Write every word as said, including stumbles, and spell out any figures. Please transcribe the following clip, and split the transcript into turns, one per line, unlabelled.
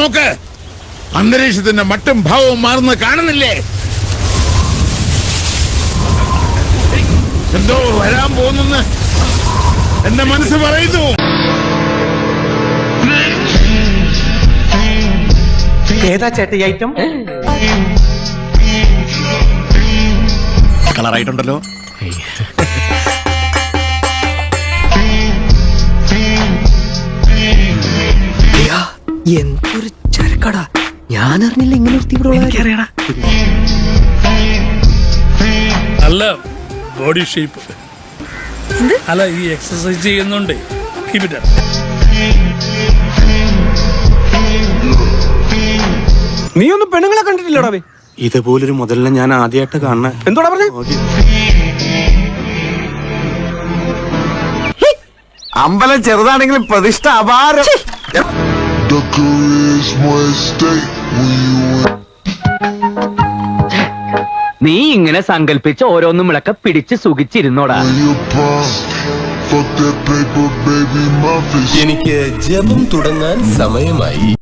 നോക്ക്, അന്തരീക്ഷത്തിന്റെ മട്ടും ഭാവവും മാറുന്ന കാണുന്നില്ലേ? എന്തോ വരാൻ പോകുന്നെന്ന് എന്റെ മനസ്സ് പറയുന്നു.
ഏതാ ചേട്ടൻ ഐറ്റം?
കളറായിട്ടുണ്ടല്ലോ.
എന്തൊരു ചരക്കടാ, ഞാൻ അറിഞ്ഞില്ല ഇങ്ങനെ ഒരു തീവ്രവാദി.
നല്ല ബോഡി ഷേപ്പ്. അല്ല, ഈ എക്സസൈസ് ചെയ്യുന്നുണ്ട്.
നീ ഒന്നും പെണ്ണുങ്ങളെ കണ്ടിട്ടില്ലടാ?
ഇതുപോലൊരു മുതലിനെ ഞാൻ ആദ്യമായിട്ട് കാണണ.
എന്തോടാ പറഞ്ഞ?
അമ്പലം ചെറുതാണെങ്കിലും പ്രതിഷ്ഠ അപാരം.
നീ ഇങ്ങനെ സങ്കല്പിച്ച് ഓരോന്നും വിളക്ക പിടിച്ച് സുഖിച്ചിരുന്നോടാ.
എനിക്ക് ജപം തുടങ്ങാൻ സമയമായി.